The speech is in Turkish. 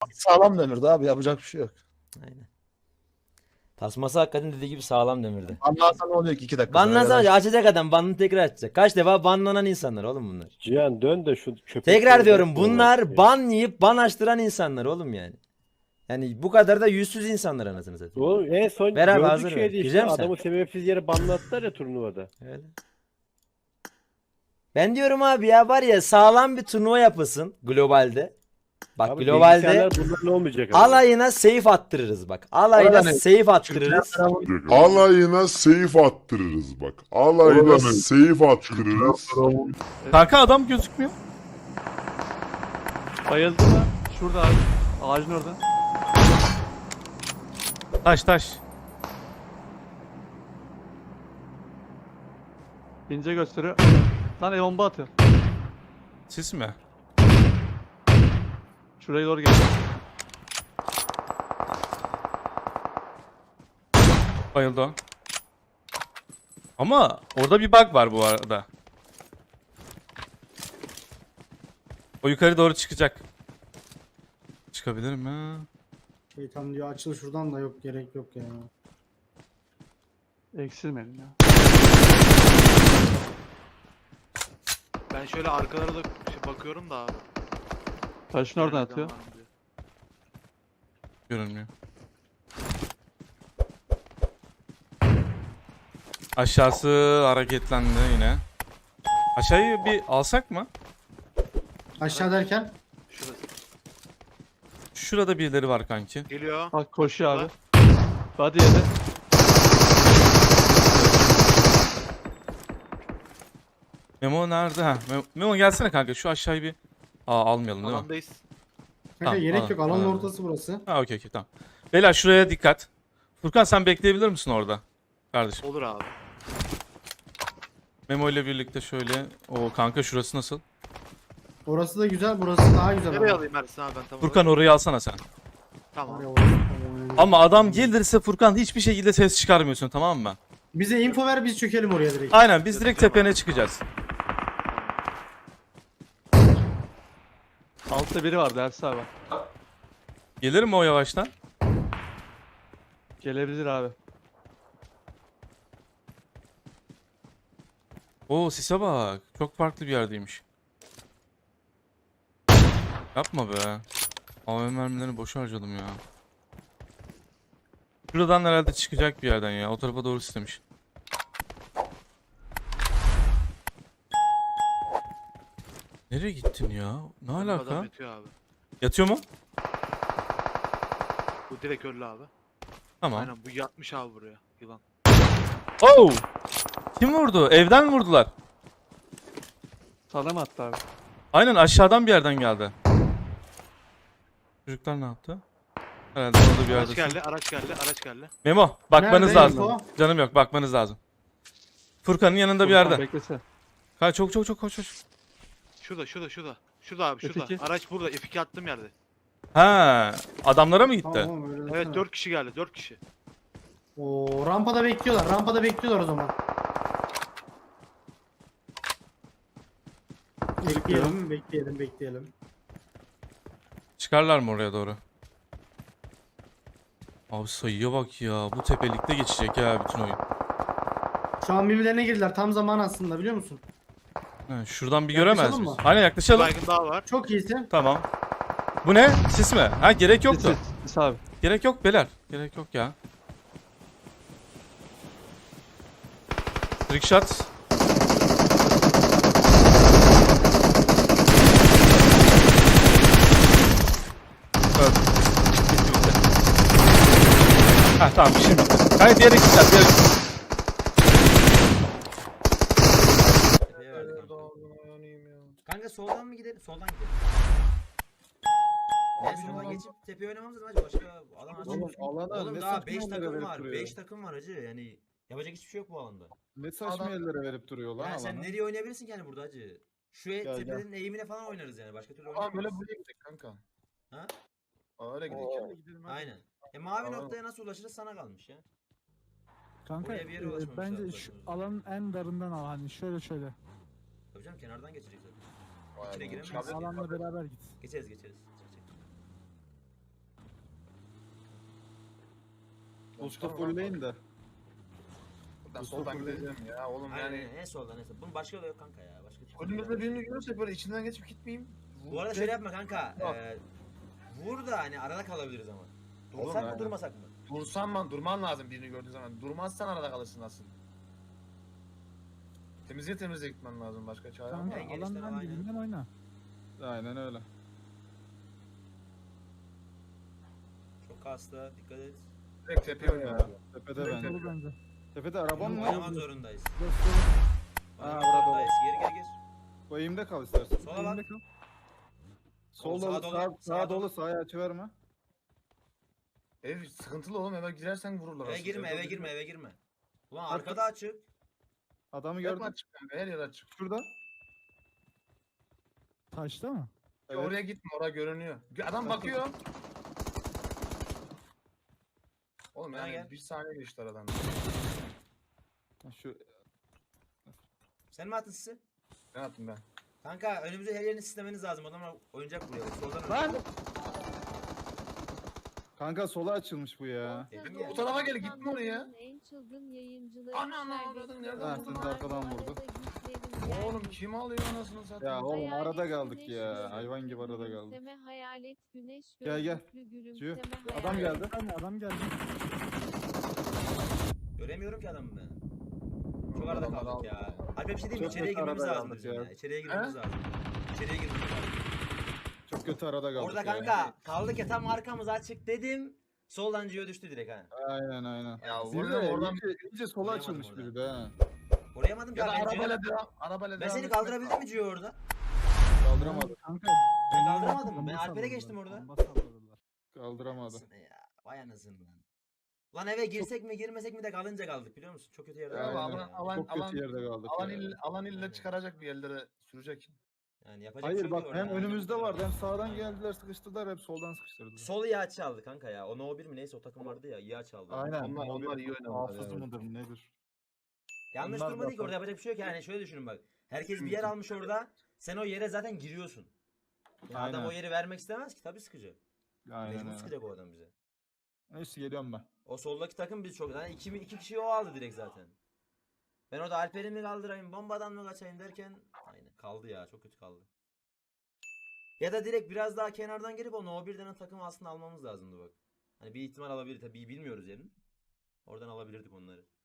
Sağlam demirdi abi, yapacak bir şey yok. Aynen. Tasması hakikaten dediği gibi sağlam demirdi. Anlarsan ne oluyor ki 2 dakika sonra ya Banlansana da işte. açacak adam banını tekrar açacak. Kaç defa banlanan insanlar oğlum bunlar. Cihan dön de şu Tekrar köpekleri diyorum dağıtmayalım artık bunlar ya. ban yiyip ban açtıran insanlar oğlum yani. Yani bu kadar da yüzsüz insanlar anasını satayım. Oğlum en son Ver abi, gördük hazır ver. şeydi Girecek işte misin sen? adamı sebepsiz yere banlattılar ya turnuvada. Öyle. Ben diyorum abi ya var ya sağlam bir turnuva yapılsın globalde. Bak Abi globalde bilgisayarlar bunların olmayacak ama. alayına save attırırız bak. Alayına Orada ne? save attırırız. Alayına seyif attırırız bak. Alayına seyif attırırız. Kanka adam gözükmüyor. Bayıldı mı? Şurada abi. Ağacın orada. Taş taş. İnce gösteriyor. Lan bomba atıyor. Sis mi? Şuraya doğru geliyor. Bayıldı o. Ama orada bir bug var bu arada. O yukarı doğru çıkacak. Çıkabilir mi? Şeytan diyor açıl şuradan da yok gerek yok ya. Eksilmeyin ya. Ben şöyle arkalara da bakıyorum da abi. Taşın oradan Nereden atıyor. var mı diye. Görünmüyor. Aşağısı hareketlendi yine. Aşağıyı bir alsak mı? Aşağı derken Şurası. Şurada birileri var kanki. Geliyor. Bak koşuyor abi. Hadi yedi. Memo nerede? Ha, Memo gelsene kanka şu aşağıyı bir... almayalım değil mi? Alandayız. kanka Tamam, gerek yok alanın anladım. ortası burası. Ha okey tamam. Beyler şuraya dikkat. Furkan sen bekleyebilir misin orada? Kardeşim. Olur abi. Memo ile birlikte şöyle. O kanka şurası nasıl? Orası da güzel burası daha güzel. Nereye ama. alayım Ersin abi ben tamam. Furkan orayı alsana sen. Tamam. Oraya, orası, tamam. Ama adam gelirse Furkan hiçbir şekilde ses çıkarmıyorsun tamam mı? Bize info ver biz çökelim oraya direkt. Aynen biz direkt tepene çıkacağız. Altta biri var Ersin abi. Gelir mi o yavaştan? Gelebilir abi. Oo sise bak. Çok farklı bir yerdeymiş. Yapma be. AVM mermilerini boşa harcadım ya. Şuradan herhalde çıkacak bir yerden ya. O tarafa doğru istemiş. Nereye gittin ya? Ne alaka? Adam yatıyor abi. Yatıyor mu? Bu direkt öldü abi. Tamam. Aynen bu yatmış abi buraya. Yılan. Oh! Kim vurdu? Evden vurdular. Sana mı attı abi? Aynen aşağıdan bir yerden geldi. Çocuklar ne yaptı? Herhalde orada bir Araç yerde. geldi, araç geldi, araç geldi. Memo, bakmanız Nerede lazım. info? Canım yok, bakmanız lazım. Furkan'ın yanında bir Furkan yerde. Beklese. Kaç çok koş koş. Şurada, şurada, şurada. Şurada abi, şurada. F2. Araç burada. F2 attığım yerde. Ha, adamlara mı gitti? Tamam öyle Evet, desene. 4 kişi geldi, 4 kişi. Oo, rampada bekliyorlar. Rampada bekliyorlar o zaman. Bekleyelim, bekleyelim. Çıkarlar mı oraya doğru? Abi sayıya bak ya. Bu tepelikte geçecek ya bütün oyun. Şu an birbirlerine girdiler. Tam zaman aslında biliyor musun? Ha, şuradan bir Yaklaşalım göremez miyiz? mı? Aynen Bir yaklaşalım. baygın daha var. Çok iyisin. Tamam. Bu ne? Sis mi? Ha gerek yoktu. Sis abi. Gerek yok beyler. Gerek yok ya. Trickshot. Evet. Bitti bitti. Ha tamam şimdi bitti. Hayır diğer ekipler diğer ekipler. Tepeye verdik kanka. Kanka soldan mı gidelim? Soldan gidelim. Ben sola geçip tepeye oynamamız lazım hacı. Başka alan açık. Oğlum alana Oğlum ne daha saçma 5 yerlere takım verip var. duruyor. 5 takım var hacı. Yani yapacak hiçbir şey yok bu alanda. Ne saçma yerlere verip duruyor lan Yani sen alana. nereye oynayabilirsin ki yani burada hacı? Şu Gel, tepenin eğimine falan oynarız yani. Başka türlü Aa böyle oynayamayız. buraya gidelim kanka. Ha? Aa öyle gidelim. Aynen. Mavi Tamam. noktaya nasıl ulaşırız sana kalmış ya. Kanka Oraya bir yere ulaşmamışlar bence zaten. şu alanın en darından al hani şöyle. Tabii canım kenardan geçecek zaten. Vay İçine be. giremeyiz. Alanla beraber git. Geçeriz. Çık. Usta fullleyin de. Buradan soldan gideceğim ya oğlum Aynen yani. en soldan en soldan. Bunun başka yolu yok kanka ya. Başka çıkış yok. Önümüzde birini görürsek böyle içinden geçip gitmeyeyim. Bu arada şöyle yapma kanka. Yok. Vur da hani arada kalabiliriz ama. Oğlum, Dursak mı aynen. durmasak mı? Durman lazım birini gördüğün zaman. Durmazsan arada kalırsın asıl. Temizliğe gitmen lazım, başka çare yok. Kanka En genişten alandan aynen. dibinden oyna. Aynen öyle. Çok hasta. Dikkat et. Direkt tepeye oynuyor. Tepede Direkt ben. dolu bence. Tepede arabam mı? Oynamak zorundayız. Göster. Oynamak burada zorundayız. Gir. Bu eğimde kal istersen. Sola bak. Elimde kal. Sol Sağa dolu, dolu, sağ, sağa sağ dolu. dolu, sağa açı verme. Ev sıkıntılı oğlum, eve girersen vururlar. Eve aslında. girme, eve girme, eve girme. Ulan arkada açık. Adamı Hep gördüm. açık kanka, her yer açık. Şurada. Taşta mı? Evet. Oraya gitme, oraya görünüyor. Adam bakıyor. Oğlum Bana yani gel. bir saniye geçti aradan. Şu Sen mi attın sizi? Ne yaptım ben? Kanka önümüzde her yerini sistemeniz lazım. Adamlar oyuncak buraya. Soldan Lan! Kanka sola açılmış bu ya. Dedim ya. Bu tarafa gel, gitme oraya. En çılgın yayıncıları Ana, avradın, nereden Ha, buldun siz de arkadan vurdu. Oğlum kim alıyor anasını satayım? Ya oğlum Hayalet arada kaldık güneş ya. gözlü Hayvan gibi arada kaldık. gülümseme, hayalet güneş Gel, gel. gözlüklü Tüh. gülümseme, Adam hayalet- geldi. Hani adam geldi. Göremiyorum ki adamı ben. Çok arada Adamlar kaldık aldı. ya. Alper bir şey diyeyim mi? Çok İçeriye kötü girmemiz arada lazım kaldık bizim ya. ya. İçeriye girmemiz lazım. İçeriye girmemiz lazım. Çok kötü arada kaldık Orada ya. kanka kaldık ya tam arkamız açık dedim. Soldan Gio düştü direkt ha. Aynen. Ya Bir oradan de oradan iyice sola Vuramadım açılmış orada. biri de ha. Koruyamadım ya da kanka. arabayla devam. Arabayla Ben devam seni etmek kaldırabildim lazım. mi Gio orada? Kaldıramadı. Kanka. Ben kaldıramadım mı? Ben Bomba Alper'e salladılar, geçtim orada. bomba salladılar. Kaldıramadı. Anasını ya. Vay anasını lan. Lan eve girsek mi girmesek mi de kalınca kaldık biliyor musun? Çok kötü yerde Ya kaldık. alan, ya. alan, Çok alan, kötü yerde kaldık alan, ya. alan ille Aynen. çıkaracak bir yerlere sürecek. Yani yapacak bir şey Hayır yok bak orada. hem önümüzde vardı hem sağdan geldiler sıkıştırdılar hem soldan sıkıştırdılar. Sol iyi açı aldı kanka ya. O No 1 mi neyse o takım vardı ya iyi açı aldı. Aynen. Onlar iyi oynadılar. Hafız yani. mıdır nedir? Yanlış Onlar durmadı ki da- orada yapacak bir şey yok yani şöyle düşünün bak. Herkes bir yer almış orada. Sen o yere zaten giriyorsun. Ya adam Aynen. o yeri vermek istemez ki tabii sıkacak. Aynen Mecbur öyle. sıkacak o adam bize. Neyse geliyorum ben. O soldaki takım biz çok yani iki kişiyi o aldı direkt zaten. Ben orada Alper'i mi kaldırayım bombadan mı kaçayım derken aynen kaldı ya çok kötü kaldı. Ya da direkt biraz daha kenardan gelip o No 1'den takımı aslında almamız lazımdı bak. Hani bir ihtimal alabilir tabii bilmiyoruz yerini. Oradan alabilirdik onları.